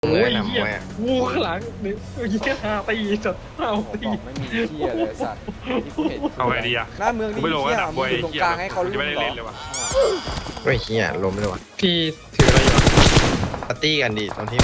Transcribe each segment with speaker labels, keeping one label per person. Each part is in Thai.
Speaker 1: โอ้ย
Speaker 2: หนำ
Speaker 1: เหี้ย
Speaker 2: มวยอะ
Speaker 1: งูข้างหลังนี่ยิงแค่หาตีจัดเอา
Speaker 3: ผม
Speaker 1: ตี
Speaker 3: บอกไม่มีเที่ยเลยสัตว์ที่กูเห็น
Speaker 4: เอาไงดีอะ
Speaker 3: หน้าเมือง
Speaker 4: กู
Speaker 3: นี่
Speaker 4: ไม่ลง
Speaker 3: เที่ย
Speaker 4: แล้วนะ
Speaker 3: มึงอยู่ตรงกลางให้เขา
Speaker 4: กู
Speaker 3: รู้
Speaker 4: จะไม่ได้
Speaker 3: เหร
Speaker 4: เล่
Speaker 3: อน
Speaker 4: เลยว่ะ
Speaker 2: เฮ้ยเฮียล้มเลยวะ
Speaker 1: พี่ถืออะไรอยู่
Speaker 2: ปาร์ตี้กันดิตอนที่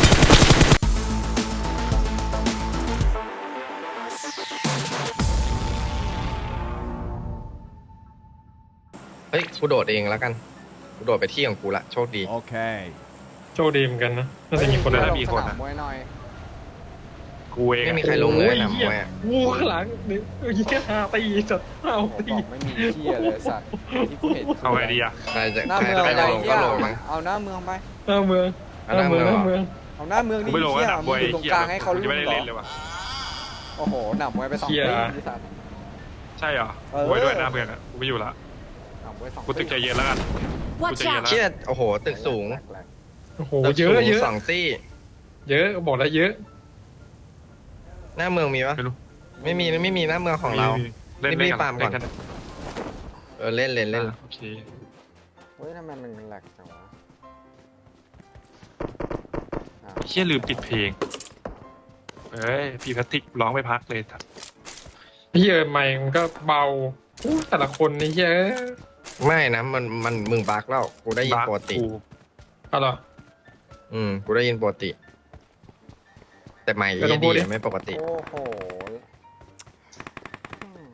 Speaker 2: เฮ้ยกูโดดเองแล้วกันกูโดดไปที่ของกูละโชคดี
Speaker 5: Okay.
Speaker 1: โชคดีเหมือนกันนะน่าจะมีคน
Speaker 3: เฮ้ย
Speaker 1: ได้
Speaker 3: ลงสนามมวยหน่อย
Speaker 4: กูเอง
Speaker 2: ไม่
Speaker 4: อะ
Speaker 2: มีใครลงเลย
Speaker 1: โอ้
Speaker 2: หนำม
Speaker 1: เหี้ย
Speaker 2: วยอะ
Speaker 1: งูข้างหลังนี่ยิงแค่หาตีจัดเอา
Speaker 3: ผม
Speaker 1: ตี
Speaker 3: บอกไม่มีเที่ยเลยสัตว์ที่กูเห็น
Speaker 4: เอาไงดีอะ
Speaker 2: ใครจะ
Speaker 3: หน้า
Speaker 2: ใคร
Speaker 3: เมือง
Speaker 2: จะ
Speaker 3: อะไร
Speaker 2: ลง
Speaker 3: เที่
Speaker 2: ก็
Speaker 3: ย
Speaker 2: ลงมั้ง
Speaker 3: เอาหน้าเมืองไป
Speaker 1: หน้าเมือง
Speaker 2: เอาหน้าเมืองเหรอ
Speaker 1: หน้าเมือง
Speaker 3: เอาหน้าเมือง
Speaker 4: กู
Speaker 3: นี่
Speaker 4: ไม่ลง
Speaker 3: เที่
Speaker 4: แล้ว
Speaker 3: ย
Speaker 4: นะ
Speaker 3: มึงอยู่ตรงกลางให้เขา
Speaker 4: กู
Speaker 3: รู้
Speaker 4: จะไม่ได้
Speaker 3: เหรอ
Speaker 4: เล่นเลยว่ะ
Speaker 3: โอ้โหหนำมวยไปสอง
Speaker 1: เหี้ย
Speaker 3: ปีสัตว์
Speaker 4: ใช่เหรอ
Speaker 3: เออ
Speaker 4: กูไว้ด้วยหน้าเพื่อนอะกูไม่อยู่ละ
Speaker 3: หนำมวยสอง
Speaker 4: กูตึกใจเย็นแล้วกันกู
Speaker 6: Watch
Speaker 4: ใจเย็น
Speaker 6: out!
Speaker 4: แล้ว
Speaker 2: เชี่ยโอ้โหตึกสูง
Speaker 3: แหลก
Speaker 1: โอ้โห
Speaker 2: ตึก
Speaker 1: เย
Speaker 2: สู
Speaker 1: อะ
Speaker 2: ง
Speaker 1: เยอะ
Speaker 2: สองซี่
Speaker 1: เยอะบอกแล้วเยอะ
Speaker 2: หน้าเมืองมีปะ
Speaker 4: ไม่รู้
Speaker 2: ไม่มีหน้าเมืองของเรา
Speaker 4: เล่น
Speaker 2: รีบ
Speaker 4: เล่น
Speaker 2: ฟาร์มก่อน
Speaker 4: เล่น
Speaker 2: เล่น
Speaker 4: โอเค
Speaker 3: เฮ้ยทำไมมันแหลกจังวะอ่ะ
Speaker 4: ไอ้เชี่ยลืมปิดเพลงเอ้ยพี่แพทริกร้องไม่พักเลยสัตว์
Speaker 1: เหี้ยใหม่มันก็เบาอู้แต่ละคนนี่เหี้ย
Speaker 2: ไม่นะมันมึงบักแล้วกูได้ยินปกติ
Speaker 4: กู
Speaker 1: เอาเหรอ
Speaker 2: กูได้ยินปกติ แต่ไม่
Speaker 1: ไม่ต้องพูดดิ
Speaker 2: ไม่ปกติ
Speaker 3: โอ้โหอืม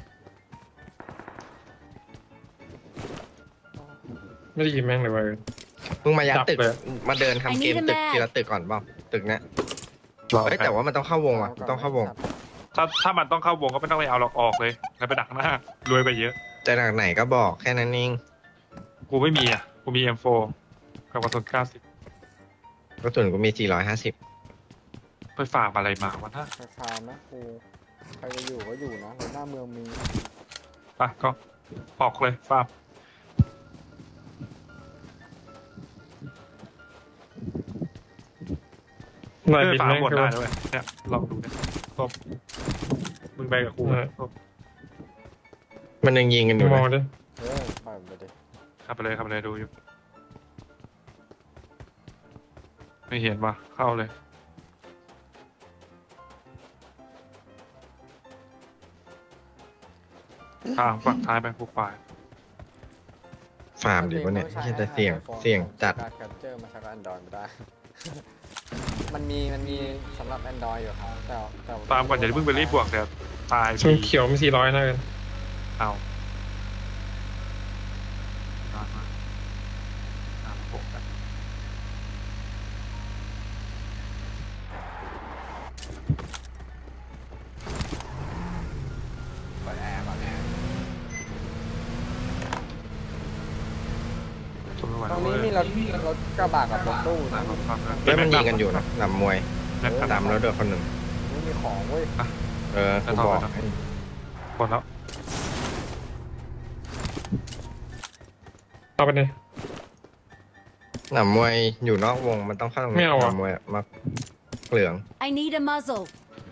Speaker 1: ไม่ได้ยินแม่งเลยเว้ย
Speaker 2: มึงมายัด
Speaker 1: จับ
Speaker 2: ตึก
Speaker 1: เลย
Speaker 2: มาเดินทำเกม
Speaker 6: I need a
Speaker 2: ตึก
Speaker 6: map
Speaker 2: ทีละตึกก่อนเปล่าตึกเนี้ย
Speaker 4: รอ
Speaker 2: เฮ้ยแต่ว่ามันต้องเข้าวงว่ะมันต้องเข้าวง
Speaker 4: ถ้ามันต้องเข้าวงก็ไม่ต้องไปเอาหรอกออกเลยแล้วไปดักหน้ารวยไปเยอะ
Speaker 2: จะหนักไหนก็บอกแค่นั้นเอง
Speaker 4: กูไม่มีอ่ะกูมี M4 กับกระสุน90
Speaker 2: กระสุนกูมี 450
Speaker 4: ไปฝากอะไรมาวะน่า
Speaker 3: ไปฟาร์มนะกูใครจะอยู่ก็อยู่นะแล้วหน้าเมืองมี
Speaker 4: ไปก็ออกเลยฟาร์ม
Speaker 1: หน่อย
Speaker 4: เออ
Speaker 1: บิน
Speaker 4: ฟาร์ม
Speaker 1: แม่ง
Speaker 4: หมด
Speaker 1: คือ
Speaker 4: ได้ด้วยเนี่ยลองดูเนี่ยตบมึงไปกับกูนะตบ
Speaker 2: มันยังยิงกันอยู่
Speaker 1: ม
Speaker 2: นะ
Speaker 1: องดิ
Speaker 3: ปล่อยมันไปดิ
Speaker 4: ขับไปเลยดูอยู่ไม่เห็นว่ะเข้าเลยฝั่งท้ายไปกูฝ่าย
Speaker 2: ฟาร์มดิวะเนี่ยไม่ใช่แต่เสี่ยงจัด
Speaker 3: การแคปเจอร์มาใช้กับ Android ไม่ได้ มันมีสำหรับ Android อยู่ครับแต่
Speaker 4: ฟาร์มก่อนอย่าเพิ่งไปรีบบวกเดี๋ยวตาย
Speaker 1: ชนเขียวมี400นะกัน
Speaker 4: เอามาผมกัน
Speaker 3: เปิดแอร์ก่อนแอร์
Speaker 4: ทนไม่ไหว
Speaker 3: ตร
Speaker 4: แล้ว
Speaker 3: ง
Speaker 4: เว้
Speaker 3: นี้
Speaker 4: ย
Speaker 3: มีรถกระบะกับรถตู้นะ
Speaker 2: แล้วมันยิงกันอยู่นะหนำมวย
Speaker 4: แล้วก็
Speaker 2: ตามแล้วเดือคนหนึ่ง
Speaker 3: ไม่มีของเว้ย
Speaker 2: กูบอก
Speaker 4: หมดแล้ว
Speaker 1: เอาไปเลย
Speaker 2: หนำมวยอยู่นอกวงมันต้องเข้าตรง
Speaker 1: ไม่
Speaker 2: นี้
Speaker 1: เอาอะ
Speaker 2: หนำมวยมาเหลือง
Speaker 6: I need a muzzle.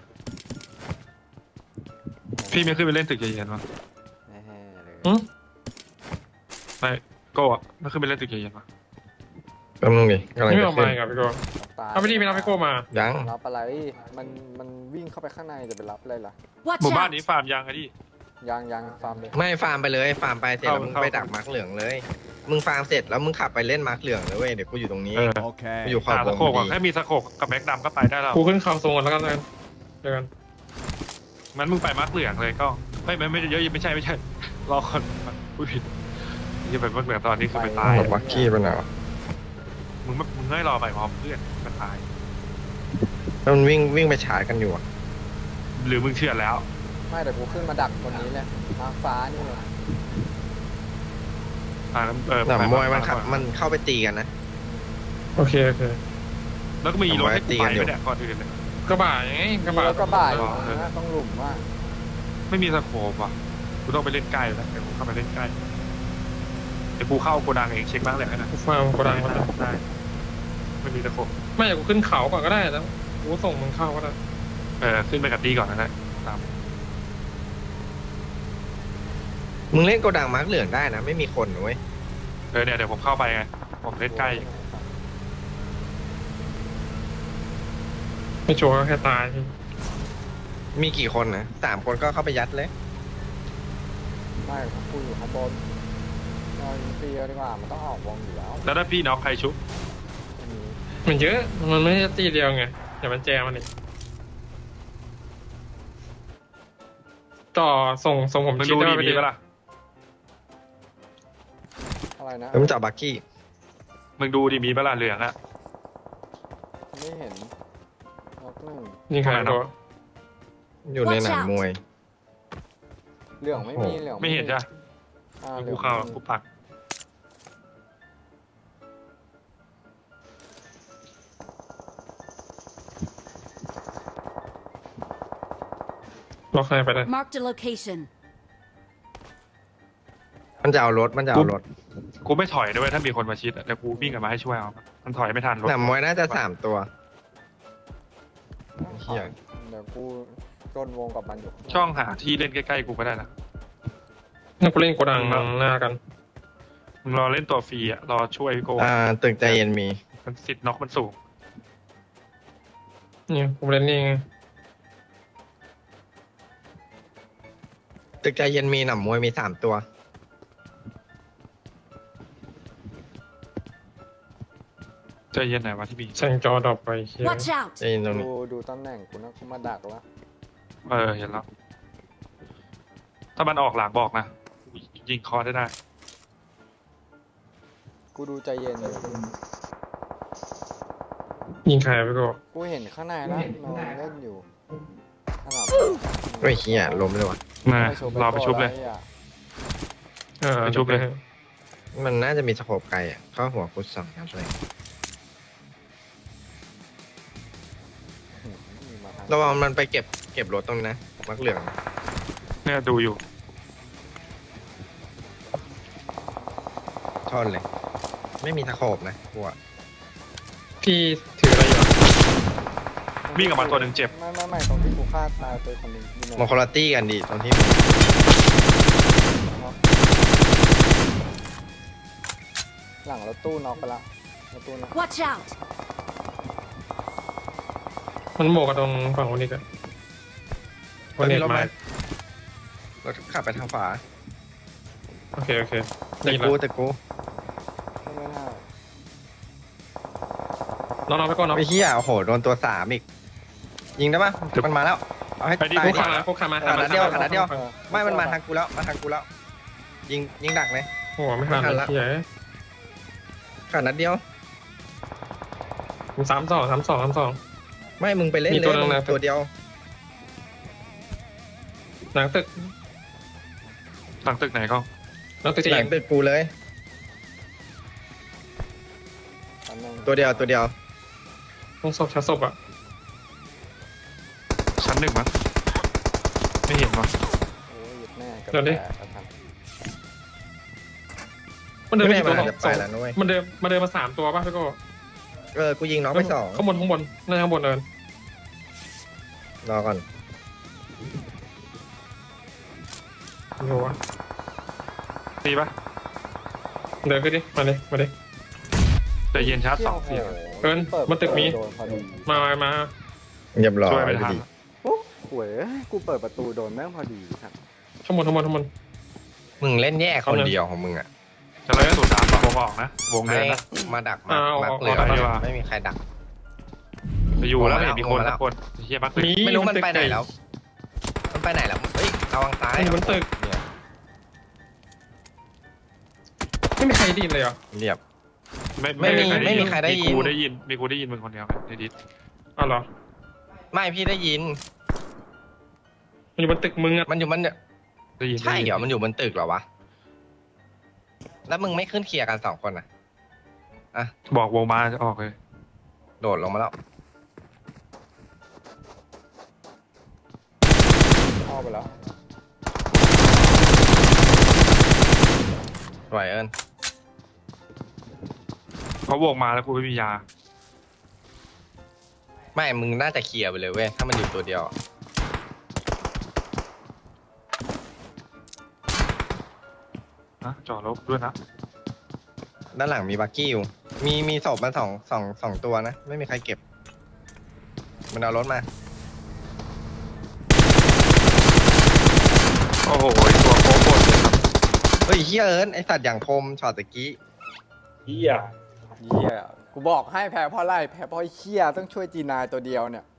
Speaker 4: พี่ไม่ขึ้นไปเล่นตึกเย็นๆวะ
Speaker 3: แน่ๆเลย
Speaker 4: ไม่โก้อะไม่ขึ้นไปเล่นตึกเย็นๆวะ
Speaker 2: แป๊บนึงดิกำลัง
Speaker 1: ไม่
Speaker 2: จะ
Speaker 1: เอา
Speaker 2: ขึ้
Speaker 1: มาน กับพี่โก้
Speaker 3: ตาย
Speaker 1: เอาไปดิไม่รับพี่โก้มา
Speaker 2: ยัง
Speaker 3: รับอะไรมันวิ่งเข้าไปข้างในจะไปรับอะไรล่ะ
Speaker 6: Watch
Speaker 4: หมู่บ้าน
Speaker 6: out!
Speaker 4: นี้ฟาร์มยังไงดิ
Speaker 3: ยังฟาร์มเลย
Speaker 2: ไม่ฟาร์มไปเลยฟาร์มไปเสร็จแล้ว
Speaker 4: เข้า
Speaker 2: มึง
Speaker 4: เข้า
Speaker 2: ไปดักมาร์กเหลืองเลย มึงฟาร์มเสร็จแล้วมึงขับไปเล่นมาร์กเหลืองเลยเว้ยเดี๋ยวกูอยู่ตรงนี้
Speaker 4: เออ
Speaker 5: Okay.
Speaker 2: กูอยู่ขอบ
Speaker 4: หาว สะ
Speaker 2: ง
Speaker 4: โขก
Speaker 2: พ
Speaker 4: อ่ะ
Speaker 2: อดี
Speaker 4: แค่มีสะโขกกับแม็กดำก็ไปได้แล้ว
Speaker 1: กูขึ้นเขาทรงกันแล้วกันเจอกัน
Speaker 4: มันมึงไปมาร์กเหลืองเลยก็ไม่เยอะไม่ใช่รอคนผู้ผิดจะไปมาร์กเหลืองตอนนี้คือไปตาย
Speaker 2: บักกี้ไปไหนวะ
Speaker 4: มึงไม่รอไปพร้อมเพื่อนมันตาย
Speaker 2: แล้วมันวิ่งไปชาร์จกันอยู่อะ
Speaker 4: หรือมึงเชื่อแล้ว
Speaker 3: ไม่แต่กูขึ้นมาดักบนนี้เลยทางฟ้านี่เลย
Speaker 2: หนำมวยมันขับมันเข้าไปตีกันนะ
Speaker 1: โอเค
Speaker 4: แล้วก็มีรถให้กูไปด้วยเนี่ยก่อนอื่นเลย
Speaker 1: กระบะยังไงกระบะ
Speaker 3: แล้วก็บ่ายอยู่นะต้องหลุมว่า
Speaker 4: ไม่มีสะโขบอ่ะกูต้องไปเล่นใกล้แล้วเดี๋ยวกูเข้าไปเล่นใกล้เดี๋ยวกูเข้าโกดังเองเช็คบ้างเลยนะ
Speaker 1: กูฟาร์มกระดังมาแล้ว
Speaker 4: ได้ไม่มีสะโขบ
Speaker 1: ไม่อยากกูขึ้นเขาก่อนก็ได้แล้วกูส่งมึงเข้าก็ได้
Speaker 4: ขึ้นไปกับดีก่อนนะตาม
Speaker 2: มึงเล่นโกดังมาร์กเหลืองได้นะไม่มีคนนะเว้ย
Speaker 4: เนี่ยเดี๋ยวผมเข้าไปไงผมเล่นใกล้
Speaker 1: ไม่ชัวร์ก็แค่ตาย
Speaker 2: มีกี่คนนะ3 คนก็เข้าไปยัดเลย
Speaker 3: ไม่กูอยู่ข้างบนเรายิงฟรีเอาดีกว่ามันต้องออกวงอยู่แล้ว
Speaker 4: แล้วถ้าพี่น็อกใครชุบ
Speaker 3: ไม่มี
Speaker 1: มันเยอะมันไม่ใช่ตีเดียวไงอย่ามันแจมมันอีกต่อส่งผม
Speaker 4: มึง
Speaker 1: ชิด
Speaker 4: ดู
Speaker 1: ได้
Speaker 4: ดี
Speaker 1: ไหม
Speaker 4: มีปะล่ะ
Speaker 3: อะไรนะ
Speaker 2: แล้วมึงจับบักกี้
Speaker 4: มึงดูดีมีปะล่ะเหลืองอะ
Speaker 3: ไม่เห็นน็อกหนึ่ง
Speaker 1: ยิงใครตัว
Speaker 2: อยู่ในหนังมวย
Speaker 3: เหลืองไม่มีเหลือง
Speaker 4: ไม่เห็นจ้ะ
Speaker 3: เหลื
Speaker 4: กู
Speaker 3: อง
Speaker 4: เข้า
Speaker 3: ไม่มี
Speaker 4: กูปัก
Speaker 1: ล็อกใครไปได้
Speaker 5: Marked a location.
Speaker 2: มันจะเอารถ
Speaker 4: กูไม่ถอยด้วยถ้ามีคนมาชิดอะเดี๋ยวกูวิ่งกลับมาให้ช่วยเอามันถอยไม่ทันรถ
Speaker 2: หนังมวยน่าจะ3 ตัว เหี้ย
Speaker 3: เดี๋ยวกูจนวงกับมันอยู่
Speaker 4: ช่องหาที่เล่นใกล้ๆกูก็ได้นะ
Speaker 1: นักกูเล่นโกดังหน้ากัน
Speaker 4: มึงรอเล่นตัวฟรีอะรอช่วยพี่โก้
Speaker 2: ตึกใจเย็นมี
Speaker 4: มันสิทธิ์น็อกมันสูง
Speaker 1: นี่กูเล่นนี่ไง
Speaker 2: ตึกใจเย็นมีหนังมวยมี3 ตัว
Speaker 4: ใจเย็นหน่อยวะที่มี
Speaker 1: แสงจอดรอปไปเฮีย
Speaker 5: Watch out!
Speaker 2: ใจเย็นตรงนี้
Speaker 3: ดูตำแหน่งกูนะกูมาดักแล้ว
Speaker 4: เห็นแล้ว ถ้ามันออกหลังบอกนะยิงคอได้
Speaker 3: กูดูใจเย็นอยู่
Speaker 1: ยิงใครไปก็
Speaker 3: กูเห็นข้างในแล้วนอนเล่นอยู่ขนาด
Speaker 2: เฮ้ยเฮียล้มเลยวะ
Speaker 4: มารอไปชุบเลย
Speaker 1: ไปชุบเลย
Speaker 2: มันน่าจะมีสโคปไกลอ่ะเข้าหัวกู2 นัดเลยระวังมันไปเก็บรถตรงนี้นะมักเหลือง
Speaker 4: เนี่ยดูอยู่
Speaker 2: ท่อนเลย ไม่มีสโคปนะกูอะ
Speaker 1: พี่ถืออะไรอยู่
Speaker 4: วิ่งออกมาตัวหนึ่งเจ็บ
Speaker 3: ไม่ตรงที่กูฆ่าตายไปคนหนึงอยู่ไหน
Speaker 2: มองคอลตี้กันดิตรงที่
Speaker 3: หลังรถตู้น็อกไปละรถตู้น็อก
Speaker 5: Watch out!
Speaker 1: มันโบกกับตรงฝั่งคนนี้กันคนนี้มา
Speaker 2: รถขับไปทางขวา
Speaker 1: โอเค
Speaker 2: แต่
Speaker 1: นี่
Speaker 2: กู
Speaker 1: ละ
Speaker 2: แต่กู
Speaker 3: ไม่น่า
Speaker 1: น้องๆไปก่อนน้อง
Speaker 2: ไอ้เหี้ยโอ้โหโดนตัว3อีก ยิงได้ปะมันมาแล้วเอาให้
Speaker 4: ไปดิ
Speaker 2: ตาย
Speaker 1: กู
Speaker 2: ดิ
Speaker 1: ขามากูขามา
Speaker 2: นัดเดียวนัดเดียว
Speaker 3: เออ
Speaker 2: ไม่มันมาทางกูแล้วมาทางกูแล้ว ยิงดักเลย
Speaker 1: โอ้โหไม่ทัน
Speaker 2: ไม่ทันละ
Speaker 1: เฮีย
Speaker 2: ขาดนัดเดียว
Speaker 1: ผม32
Speaker 2: ไม่มึงไปเล่น
Speaker 1: มี
Speaker 2: เล
Speaker 1: ตัวย หนึ่งนะ
Speaker 2: ตัวเดียว
Speaker 1: หลังตึก
Speaker 4: หลังตึกไหนก็
Speaker 1: หลังตึก
Speaker 2: ห
Speaker 1: จะ
Speaker 2: ลั
Speaker 1: ยิ
Speaker 2: ง
Speaker 1: ง
Speaker 2: ตึกกูเลย
Speaker 3: อันนึง
Speaker 2: ตัวเดียว
Speaker 1: ต้องศพชั้นศพอ่ะ
Speaker 4: ชั้น1มั้งไม่เห็นวะ
Speaker 3: โอ้ยหยุดแน่กับ
Speaker 1: เดี๋ยวดิ
Speaker 3: แตกกระทัน
Speaker 1: มันเดินไป
Speaker 2: ไม่
Speaker 1: กี่ตัว
Speaker 2: มันจะไปแล้วนุ้ย
Speaker 1: มันเดินมา3 ตัวป่ะพี่โก้
Speaker 2: กูยิงน้องไป2
Speaker 1: ข้างบนน่าจะข้างบนเดิน
Speaker 2: รอก่อน
Speaker 1: โอ้โห
Speaker 4: ตีปะ
Speaker 1: เดินขึ้นดิมาดิ
Speaker 4: ใจเย็นชาร์จสอง
Speaker 3: โโห
Speaker 4: เสียง
Speaker 1: เอิ้นมันตึกมี
Speaker 3: โดนพอดี
Speaker 1: มา
Speaker 2: เรียบร้อย
Speaker 4: ช่วยไม่ทัน
Speaker 2: ดิ
Speaker 3: โอ้หวยกูเปิดประตูโดนแม่งพอดีครับ
Speaker 1: ข้างบน
Speaker 2: มึงเล่นแย่คนเดียวของมึงอ่ะ
Speaker 4: จะไล่สูตร3วงออกนะวงเดิ
Speaker 2: ให้
Speaker 4: นนะ
Speaker 2: มาดัก
Speaker 1: อ่า
Speaker 2: มัก
Speaker 1: ออก
Speaker 2: เหลือง
Speaker 4: ออกไปดีกว่า
Speaker 2: ไม่มีใครดัก
Speaker 4: จะอยู่แล้ว
Speaker 2: ลงมาแล้ว
Speaker 4: เห็นมีคน
Speaker 2: ลงมาแล้
Speaker 4: สั
Speaker 2: ว
Speaker 4: กคนเฮียมักเลย
Speaker 1: มี
Speaker 2: ไม่รู้มันไปไหนแล้ว มันไปไหนแล้ว เฮ้ยระวังซ้าย
Speaker 1: มันอยู่บนตึก
Speaker 2: เนี่ย
Speaker 1: ไม่มีใครได้ยินเลยเหรอ
Speaker 2: เรียบ
Speaker 4: ไม่มี
Speaker 2: ใครได้ยิน
Speaker 4: มีกูได้ยินมึงคนเดียวในดิส
Speaker 1: อ้าวเหรอ
Speaker 2: ไม่พี่ได้ยิน
Speaker 1: มันอยู่บนตึกมึงอ่ะ
Speaker 2: มันอยู่มันเนี่ย
Speaker 4: ได้ยิน
Speaker 2: ใช่เหรอมันอยู่บนตึกเหรอวะ แล้วมึงไม่ขึ้นเคลียร์กัน2 คนอ่ะ
Speaker 4: บอกวงมาจะออกเลย
Speaker 2: โดดลงมาแล้ว
Speaker 3: เข้าไปแล้ว
Speaker 2: ไหวเอิญ
Speaker 4: เพราะวงมาแล้วกูไม่มียา
Speaker 2: ไม่ มึงน่าจะเคลียร์ไปเลยเว้ย ถ้ามันอยู่ตัวเดียวอะ
Speaker 4: นะจอดรถด้วยนะ
Speaker 2: ด้านหลังมีบักกี้อยู่ มีศพมาสองตัวนะ ไม่มีใครเก็บมันเอารถมา
Speaker 4: โอ้โหไอ้ตัวโค้งบนเลยครับ
Speaker 2: เฮ้ยเฮียเอิญไอสัตว์อย่างคมช็อตตะกี้
Speaker 3: เหี้ยกูบอกให้แพ้เพราะอะไรแพ้เพราะไอ้เหี้ยต้องช่วยจีนายตัวเดียวเนี่ย